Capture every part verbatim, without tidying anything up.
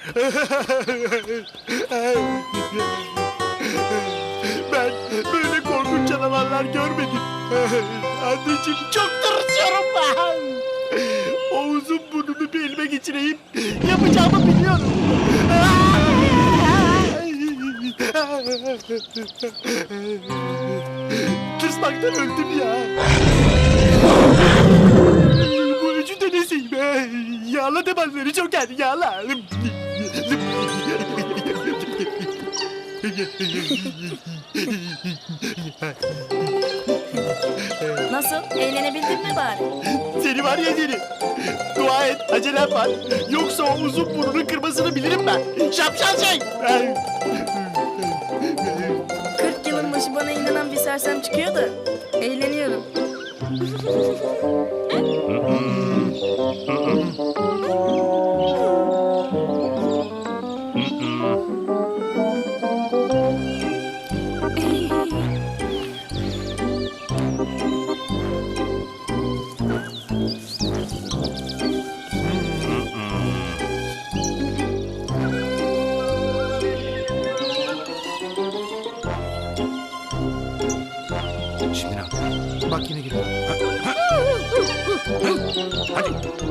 Ben böyle korkunç canavarlar görmedim. Anneciğim çok tırsıyorum ben. O uzun burnumu bir elime geçireyim. Yapacağımı biliyorum. Tırsmaktan öldüm ya. Bu üçü de nesiyim? Yağla damarları Joker, yağla. Nasıl? Eğlenebildin mi bari? Seni var ya seni. Dua et, acelem var. Yoksa o uzun burnunu kırmasını bilirim ben. Şapşal şey. Kırk yılın başı bana inanan bir sersem çıkıyor da eğleniyorum. Şimdi ne yapayım? Bak yine geliyor. Hadi.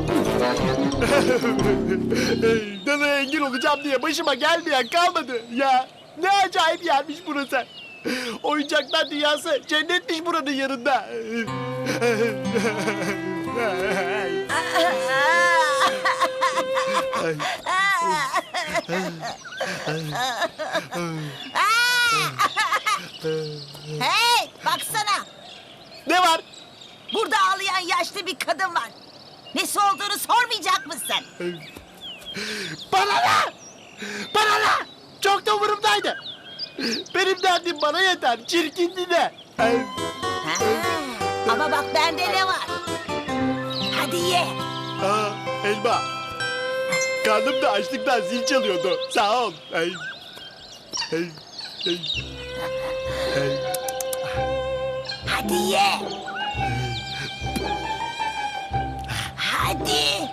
Dana'ya engel olacağım diye başıma gelmeyen kalmadı. Ya ne acayip yermiş burası. Oyuncaklar dünyası cennetmiş buranın yanında. Hey, baksana. Ne var? Burada ağlayan yaşlı bir kadın var. Nesi olduğunu sormayacak mısın? Bana ne? Bana ne? Çok da umurumdaydı. Benim derdim bana yeter. Çirkindi de. Ha, ama bak bende ne var? Hadi ye. Aa, elma. Karnım da açlıktan zil çalıyordu. Sağ ol. Ay. Ay. Ay. Ay. Hadi ye. Hadi.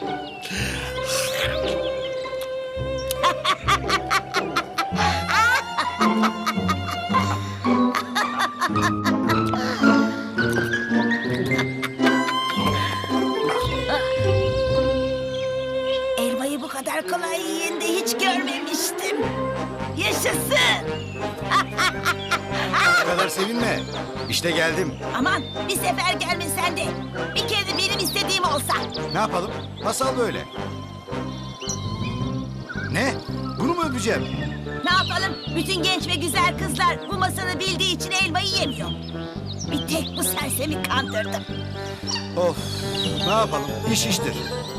Elmayı bu kadar kolay yiyen de hiç görmemiştim. Yaşasın. Bu kadar sevinme. İşte geldim. Aman bir sefer gelmesen de bir kere de benim istediğim olsa. Ne yapalım? Masal böyle. Ne? Bunu mu öpeceğim? Ne yapalım? Bütün genç ve güzel kızlar bu masalı bildiği için elmayı yemiyor. Bir tek bu sersemi kandırdım. Of. Ne yapalım? İş iştir.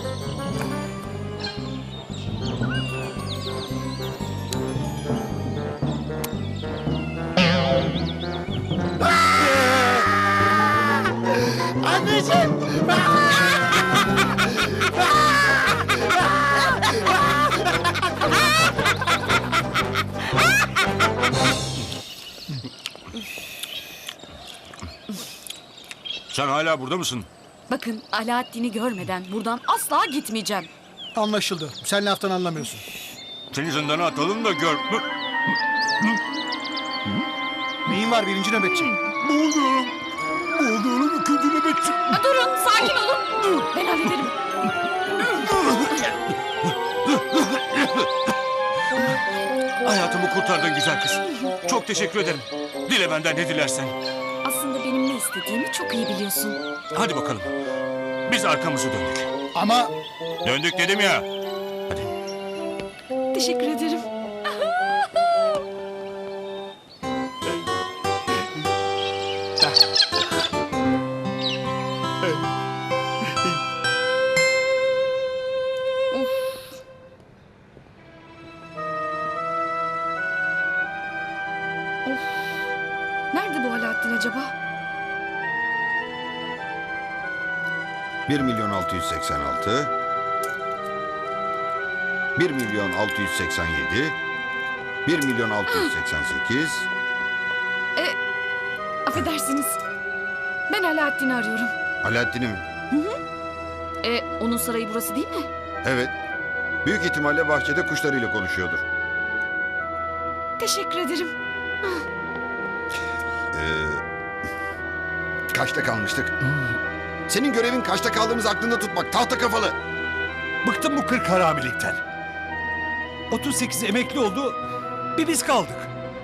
Anneciğim. Sen hala burada mısın? Bakın Alaaddin'i görmeden buradan asla gitmeyeceğim. Anlaşıldı. Sen laftan anlamıyorsun. Seni zindana atalım da gör. Neyin var birinci nöbetçi? Boğuluyorum. Boğuluyorum ikinci nöbetçi. Durun, sakin olun. Ben hallederim. Hayatımı kurtardın güzel kız. Çok teşekkür ederim. Dile benden ne dilersen. Aslında benim ne istediğimi çok iyi biliyorsun. Hadi bakalım. Biz arkamızı döndük. Ama Döndük dedim ya. Hadi. Teşekkür ederim. Nerede bu Alaaddin acaba? Bir milyon altı yüz seksen altı, bir milyon altı yüz seksen yedi, bir milyon altı yüz seksen sekiz. E, affedersiniz. Ben Alaaddin'i arıyorum. Alaaddin'i mi? E, onun sarayı burası değil mi? Evet. Büyük ihtimalle bahçede kuşlarıyla konuşuyordur. Teşekkür ederim. Ee, kaçta kalmıştık? Senin görevin kaçta kaldığımız aklında tutmak. Tahta kafalı. Bıktım bu kırk haramilikten. otuz sekiz emekli oldu. Bir biz kaldık.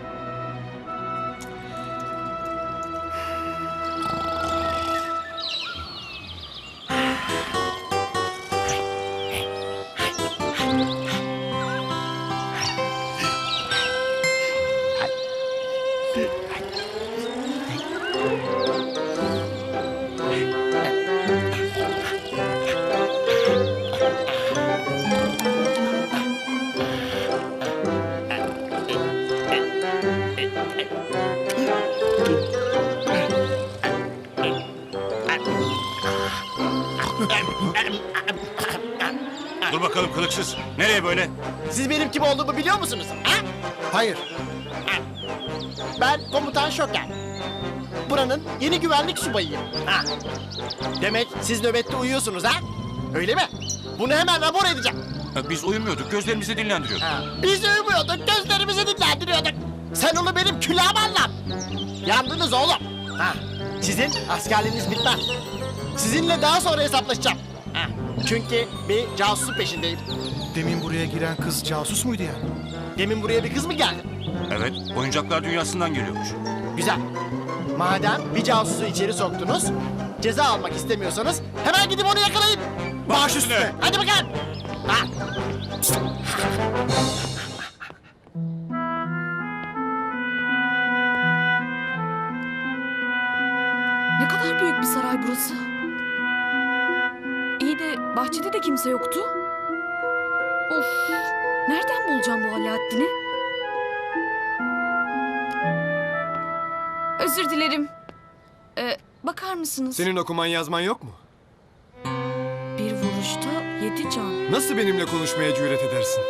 Dur bakalım kılıksız. Nereye böyle? Siz benim kim olduğumu biliyor musunuz? Ha? Hayır. Ben komutan Şoker. Buranın yeni güvenlik subayıyım. Ha. Demek siz nöbette uyuyorsunuz ha? Öyle mi? Bunu hemen rapor edeceğim. Biz uyumuyorduk. Gözlerimizi dinlendiriyorduk. Ha. Biz uyumuyorduk, gözlerimizi dinlendiriyorduk. Sen onu benim külahıma anlat. Yandınız oğlum. Ha. Sizin askerliğiniz bitmez. Sizinle daha sonra hesaplaşacağım. Ha. Çünkü bir casusun peşindeyim. Demin buraya giren kız casus muydu yani? Demin buraya bir kız mı geldi? Evet. Oyuncaklar dünyasından geliyormuş. Güzel. Madem bir casusu içeri soktunuz, ceza almak istemiyorsanız hemen gidip onu yakalayın. Baş üstüne. Hadi bakalım. Ha. Ne kadar büyük bir saray burası. İyi de bahçede de kimse yoktu. Of. Nereden bulacağım bu Alaaddin'i? Özür dilerim. Ee, bakar mısınız? Senin okuman yazman yok mu? Bir vuruşta yedi can. Nasıl benimle konuşmaya cüret edersin?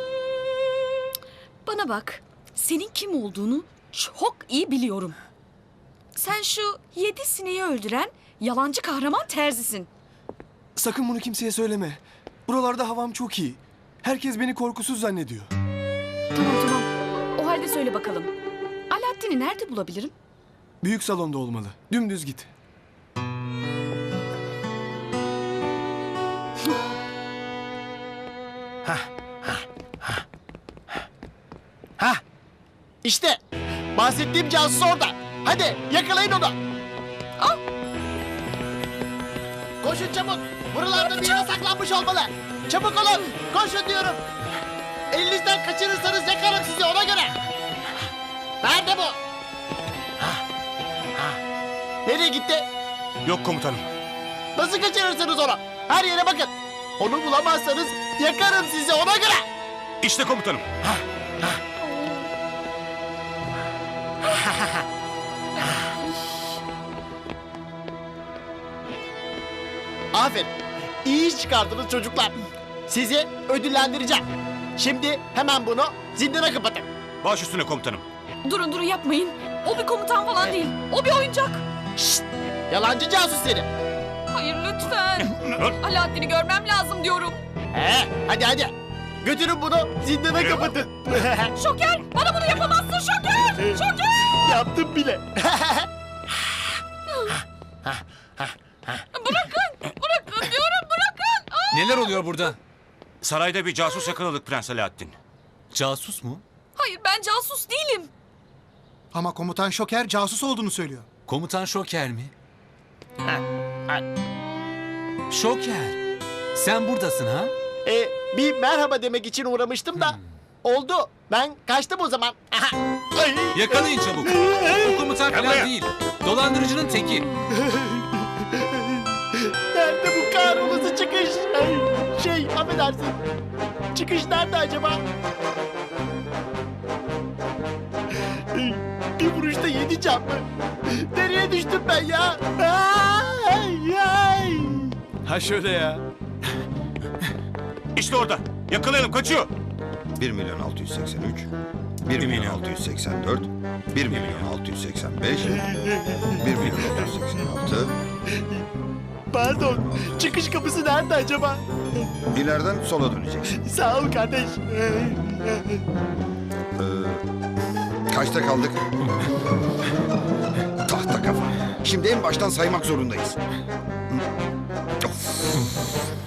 Bana bak. Senin kim olduğunu çok iyi biliyorum. Sen şu yedi sineği öldüren yalancı kahraman terzisin. Sakın bunu kimseye söyleme. Buralarda havam çok iyi. Herkes beni korkusuz zannediyor. Tamam tamam. O halde söyle bakalım. Alaaddin'i nerede bulabilirim? Büyük salonda olmalı. Dümdüz git. Ha. İşte bahsettiğim casus orada. Hadi yakalayın onu. Al. Koşun çabuk. Buralarda bir yere saklanmış olmalı. Çabuk olun. Koşun diyorum. Elinizden kaçırırsanız yakarım sizi ona göre. Nerede bu? Ha, ha. Nereye gitti? Yok komutanım. Nasıl kaçırırsınız onu? Her yere bakın. Onu bulamazsanız yakarım sizi ona göre. İşte komutanım. Aferin. İyi iş çıkardınız çocuklar. Sizi ödüllendireceğim. Şimdi hemen bunu zindana kapatın. Baş üstüne komutanım. Durun durun yapmayın. O bir komutan falan değil. O bir oyuncak. Şşt! Yalancı casus seni. Hayır lütfen. Alaaddin'i görmem lazım diyorum. He, hadi hadi. Götürün bunu zindana kapatın. Şoker bana bunu yapamazsın Şoker. Şoker. Yaptım bile. Bırakın. Bırakın diyorum bırakın. Aa! Neler oluyor burada? Sarayda bir casus yakaladık Prens Alaaddin. Casus mu? Hayır ben casus değilim. Ama komutan Şoker casus olduğunu söylüyor. Komutan Şoker mi? Şoker. Sen buradasın ha? Ee, bir merhaba demek için uğramıştım da. Oldu. Ben kaçtım o zaman. Aha. Ay. Yakalayın çabuk. O komutan falan değil. Dolandırıcının teki. Nerede bu kahrolası çıkış? Ay, şey affedersin. Çıkış nerede acaba? Ay, bir vuruşta yedi can mı? Nereye düştüm ben ya? Ay, ay. Ha şöyle ya. İşte orada. Yakalayalım kaçıyor. bir milyon altı yüz seksen üç, bir milyon altı yüz seksen dört, bir milyon altı yüz seksen beş, bir milyon altı yüz seksen altı. Pardon. Çıkış kapısı nerede acaba? İleriden sola döneceksin. Sağ ol kardeş. Kaçta kaldık? Tahta kafa. Şimdi en baştan saymak zorundayız. Of.